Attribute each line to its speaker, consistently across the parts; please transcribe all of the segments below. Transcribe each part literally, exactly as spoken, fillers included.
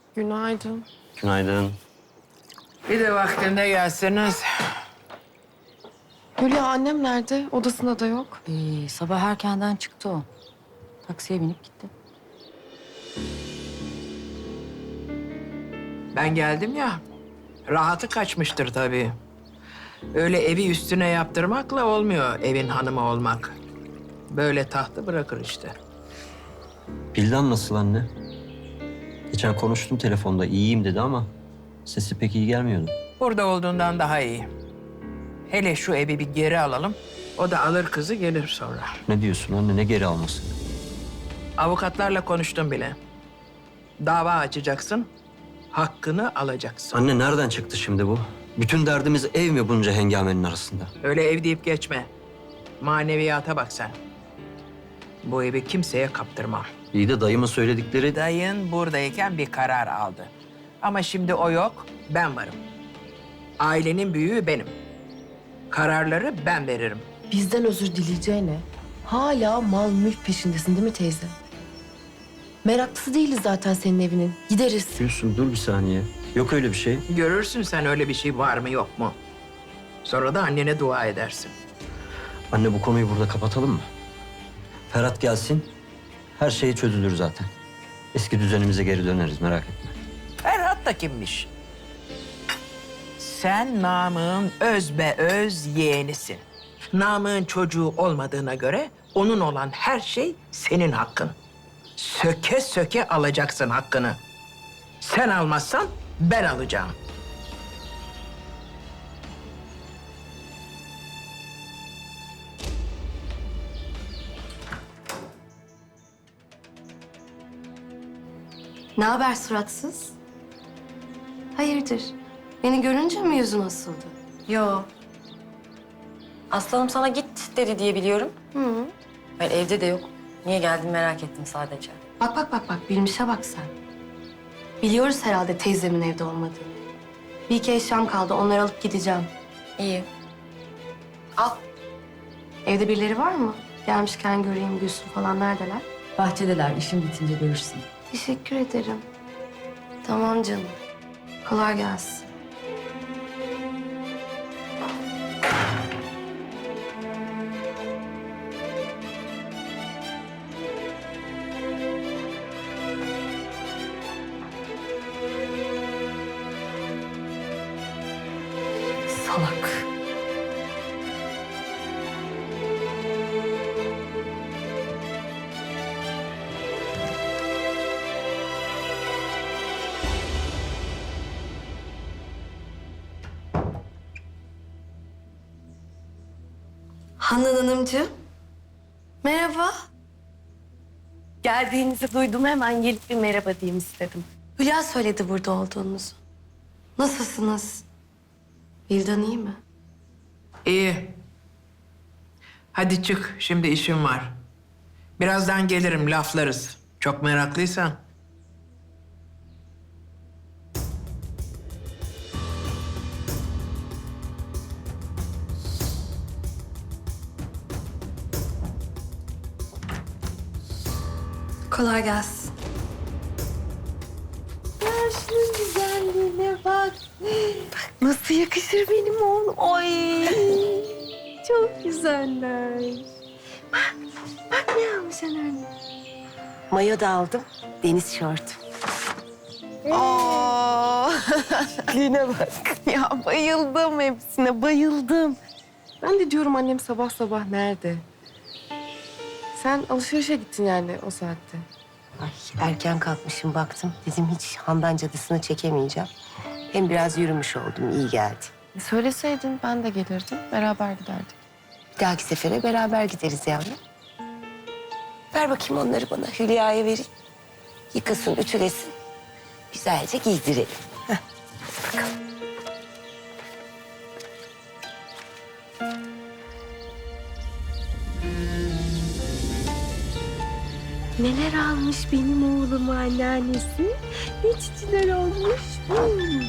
Speaker 1: Günaydın.
Speaker 2: Günaydın.
Speaker 3: Bir de vaktinde gelseniz.
Speaker 1: Hülya annem nerede? Odasında da yok.
Speaker 4: Ee, sabah erkenden çıktı o. Taksiye binip gitti.
Speaker 3: Ben geldim ya, rahatı kaçmıştır tabii. Öyle evi üstüne yaptırmakla olmuyor evin hanımı olmak. Böyle tahtı bırakır işte.
Speaker 2: Bildan nasıl anne? Geçen konuştum telefonda iyiyim dedi ama sesi pek iyi gelmiyordu.
Speaker 3: Burada olduğundan daha iyi. Hele şu evi bir geri alalım. O da alır kızı gelir sonra.
Speaker 2: Ne diyorsun anne, ne geri alması?
Speaker 3: Avukatlarla konuştum bile. Dava açacaksın, hakkını alacaksın.
Speaker 2: Anne nereden çıktı şimdi bu? Bütün derdimiz ev mi bunca hengamenin arasında?
Speaker 3: Öyle ev deyip geçme. Maneviyata bak sen. Bu evi kimseye kaptırmam.
Speaker 2: İyi de dayımın söyledikleri...
Speaker 3: Dayın buradayken bir karar aldı. Ama şimdi o yok, ben varım. Ailenin büyüğü benim. Kararları ben veririm.
Speaker 1: Bizden özür dileyeceğine hala mal mülk peşindesin değil mi teyze? Meraklısı değiliz zaten senin evinin. Gideriz.
Speaker 2: Diyorsun, dur bir saniye. Yok öyle bir şey.
Speaker 3: Görürsün sen öyle bir şey var mı yok mu? Sonra da annene dua edersin.
Speaker 2: Anne bu konuyu burada kapatalım mı? Ferhat gelsin, her şey çözülür zaten. Eski düzenimize geri döneriz, merak etme.
Speaker 3: Ferhat da kimmiş? Sen Namık'ın öz be öz yeğenisin. Namık'ın çocuğu olmadığına göre onun olan her şey senin hakkın. Söke söke alacaksın hakkını. Sen almazsan ben alacağım.
Speaker 5: Ne haber suratsız? Hayırdır? Beni görünce mi yüzün asıldı?
Speaker 4: Yo. Aslanım sana git dedi diye biliyorum.
Speaker 5: Hı.
Speaker 4: Ben evde de yok. Niye geldin merak ettim sadece.
Speaker 5: Bak bak bak bak bilmişe bak sen. Biliyoruz herhalde teyzemin evde olmadığını. Bir iki eşyam kaldı onları alıp gideceğim.
Speaker 4: İyi.
Speaker 5: Al. Evde birileri var mı? Gelmişken göreyim Gülsün falan neredeler?
Speaker 4: Bahçedeler. İşin bitince görürsün.
Speaker 5: Teşekkür ederim. Tamam canım. Kolay gelsin.
Speaker 4: Salak.
Speaker 5: Handan Hanımcığım. Merhaba.
Speaker 6: Geldiğinizi duydum, hemen gelip bir merhaba diyeyim istedim.
Speaker 5: Hülya söyledi burada olduğunuzu. Nasılsınız? Vildan iyi mi?
Speaker 3: İyi. Hadi çık, şimdi işim var. Birazdan gelirim, laflarız. Çok meraklıysan.
Speaker 5: Kolay gelsin.
Speaker 6: Şunun güzelliğine bak. Nasıl yakışır benim oğlum. Ay, çok güzeller. Bak, bak ne almış anneanne. Mayo da aldım, deniz şort. Aa, Line bak. Ya bayıldım hepsine, bayıldım.
Speaker 1: Ben de diyorum annem sabah sabah nerede? Sen alışverişe gittin yani o saatte.
Speaker 6: Ay, erken kalkmışım baktım. Dedim hiç Handan Cadısı'nı çekemeyeceğim. Hem biraz yürümüş oldum, iyi geldi.
Speaker 1: E, Söyleseydin ben de gelirdim. Beraber giderdik.
Speaker 6: Bir dahaki sefere beraber gideriz yavrum. Ver bakayım onları bana, Hülya'ya vereyim. Yıkasın, ütülesin. Güzelce giydirelim. Heh, hadi bakalım. Neler almış benim oğlum anneannesi? Ne çiçeler olmuş. Hmm.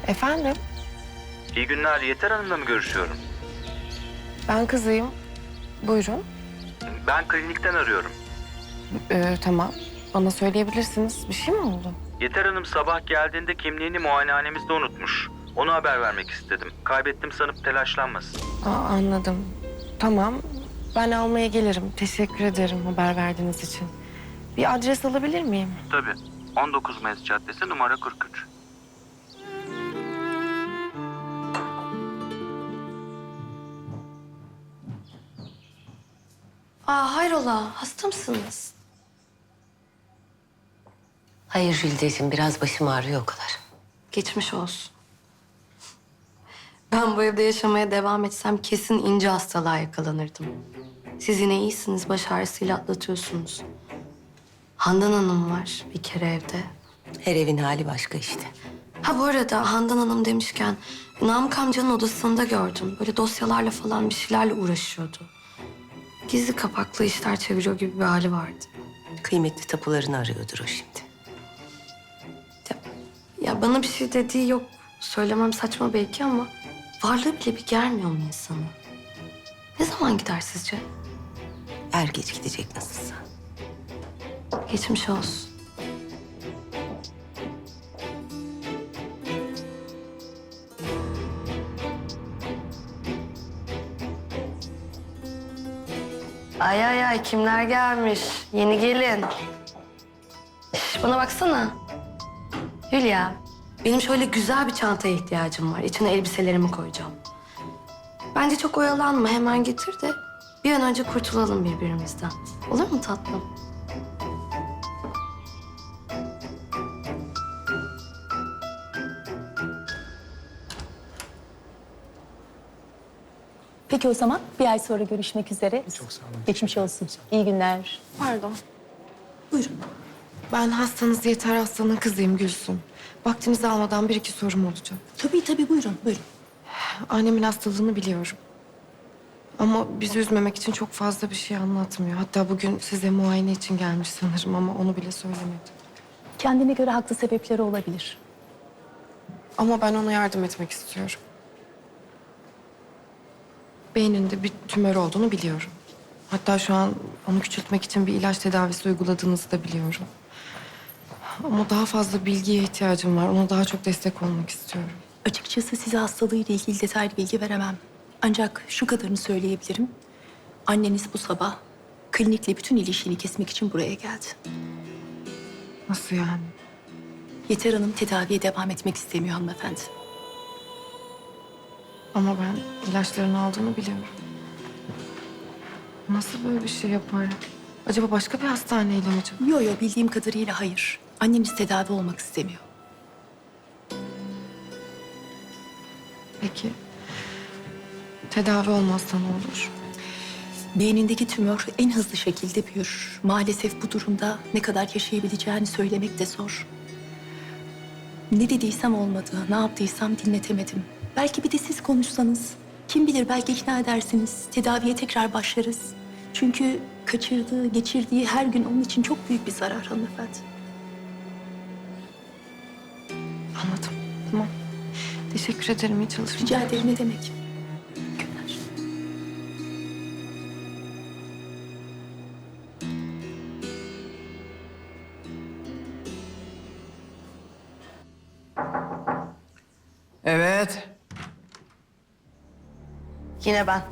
Speaker 1: Efendim?
Speaker 7: İyi günler. Yeter Hanım'la mı görüşüyorum?
Speaker 1: Ben kızıyım. Buyurun.
Speaker 7: Ben klinikten arıyorum.
Speaker 1: Ee, tamam. Bana söyleyebilirsiniz. Bir şey mi oldu?
Speaker 7: Yeter Hanım sabah geldiğinde kimliğini muayenehanemizde unutmuş. Ona haber vermek istedim. Kaybettim sanıp telaşlanmasın.
Speaker 1: Aa, anladım. Tamam. Ben almaya gelirim. Teşekkür ederim haber verdiğiniz için. Bir adres alabilir miyim?
Speaker 7: Tabii. on dokuz Mayıs Caddesi numara kırk üç.
Speaker 5: Aa hayrola, hasta mısınız?
Speaker 6: Hayır Jülideciğim, biraz başım ağrıyor o kadar.
Speaker 5: Geçmiş olsun. Ben bu evde yaşamaya devam etsem kesin ince hastalığa yakalanırdım. Siz yine iyisiniz, baş ağrısıyla atlatıyorsunuz. Handan Hanım var bir kere evde.
Speaker 6: Her evin hali başka işte.
Speaker 5: Ha bu arada Handan Hanım demişken Namık amcanın odasında gördüm. Böyle dosyalarla falan bir şeylerle uğraşıyordu. Gizli kapaklı işler çeviriyor gibi bir hali vardı.
Speaker 6: Kıymetli tapularını arıyordur o şimdi.
Speaker 5: Ya, ya bana bir şey dediği yok. Söylemem saçma belki ama varlığı bile bir germiyor mu insanı? Ne zaman gider sizce?
Speaker 6: Er geç gidecek nasılsa.
Speaker 5: Geçmiş olsun. Ay ay ay kimler gelmiş? Yeni gelin. Şş, bana baksana. Hülya, benim şöyle güzel bir çantaya ihtiyacım var. İçine elbiselerimi koyacağım. Bence çok oyalanma, hemen getir de bir an önce kurtulalım birbirimizden. Olur mu tatlım?
Speaker 8: Peki o zaman bir ay sonra görüşmek üzere. Çok sağ olun. Geçmiş olsun. İyi günler.
Speaker 1: Pardon.
Speaker 8: Buyurun.
Speaker 1: Ben hastanız Yeter Aslan'ın kızıyım Gülsüm. Vaktinizi almadan bir iki sorum olacak.
Speaker 8: Tabii tabii buyurun buyurun.
Speaker 1: Annemin hastalığını biliyorum. Ama bizi üzmemek için çok fazla bir şey anlatmıyor. Hatta bugün size muayene için gelmiş sanırım ama onu bile söylemedi.
Speaker 8: Kendine göre haklı sebepleri olabilir.
Speaker 1: Ama ben ona yardım etmek istiyorum. Beyninde bir tümör olduğunu biliyorum. Hatta şu an onu küçültmek için bir ilaç tedavisi uyguladığınızı da biliyorum. Ama daha fazla bilgiye ihtiyacım var. Ona daha çok destek olmak istiyorum.
Speaker 8: Açıkçası size hastalığıyla ilgili detaylı bilgi veremem. Ancak şu kadarını söyleyebilirim. Anneniz bu sabah klinikle bütün ilişkini kesmek için buraya geldi.
Speaker 1: Nasıl yani?
Speaker 8: Yeter Hanım tedaviye devam etmek istemiyor hanımefendi.
Speaker 1: Ama ben ilaçlarını aldığını biliyorum. Nasıl böyle bir şey yapar? Acaba başka bir hastaneyle mi acaba?
Speaker 8: Yo yo bildiğim kadarıyla hayır. Anneniz tedavi olmak istemiyor.
Speaker 1: Peki tedavi olmazsa ne olur?
Speaker 8: Beynindeki tümör en hızlı şekilde büyür. Maalesef bu durumda ne kadar yaşayabileceğini söylemek de zor. Ne dediysem olmadı, ne yaptıysam dinletemedim. Belki bir de siz konuşsanız, kim bilir belki ikna edersiniz. Tedaviye tekrar başlarız. Çünkü kaçırdığı, geçirdiği her gün onun için çok büyük bir zarar hanımefendi.
Speaker 1: Anladım. Tamam. Teşekkür ederim. İyi çalışmalar.
Speaker 8: Rica ederim ne demek. Günler.
Speaker 3: Evet.
Speaker 5: Yine ben.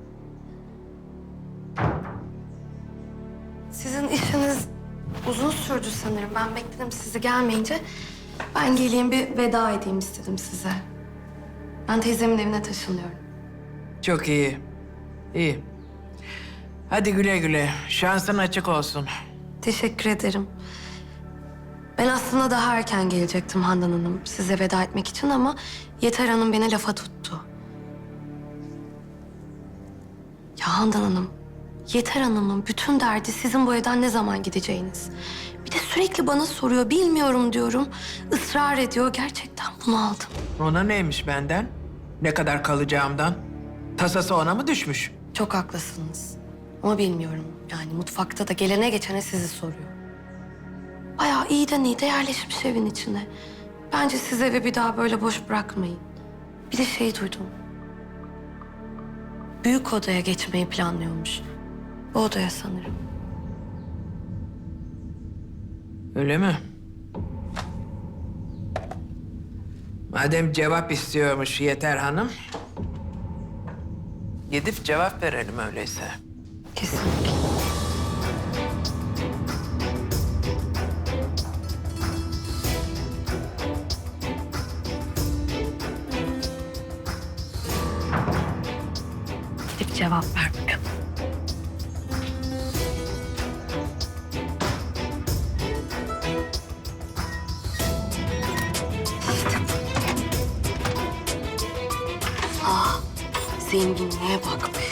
Speaker 5: Sizin işiniz uzun sürdü sanırım. Ben bekledim sizi gelmeyince. Ben geleyim bir veda edeyim istedim size. Ben teyzemin evine taşınıyorum.
Speaker 3: Çok iyi. İyi. Hadi güle güle. Şansın açık olsun.
Speaker 5: Teşekkür ederim. Ben aslında daha erken gelecektim Handan Hanım size veda etmek için ama Yeter Hanım beni lafa tuttu. Ya Handan Hanım, Yeter Hanım'ın bütün derdi sizin bu evden ne zaman gideceğiniz. Bir de sürekli bana soruyor, bilmiyorum diyorum. Israr ediyor, gerçekten bunu aldım.
Speaker 3: Ona neymiş benden? Ne kadar kalacağımdan? Tasası ona mı düşmüş?
Speaker 5: Çok haklısınız. Ama bilmiyorum. Yani mutfakta da gelene geçene sizi soruyor. Bayağı iyiden iyi de yerleşmiş evin içine. Bence siz evi bir daha böyle boş bırakmayın. Bir de şey duydum. Büyük odaya geçmeyi planlıyormuş. Bu odaya sanırım.
Speaker 3: Öyle mi? Madem cevap istiyormuş Yeter Hanım, gidip cevap verelim öyleyse.
Speaker 5: Kesinlikle. Gidip cevap ver bakalım. Ah, zenginliğe bak be.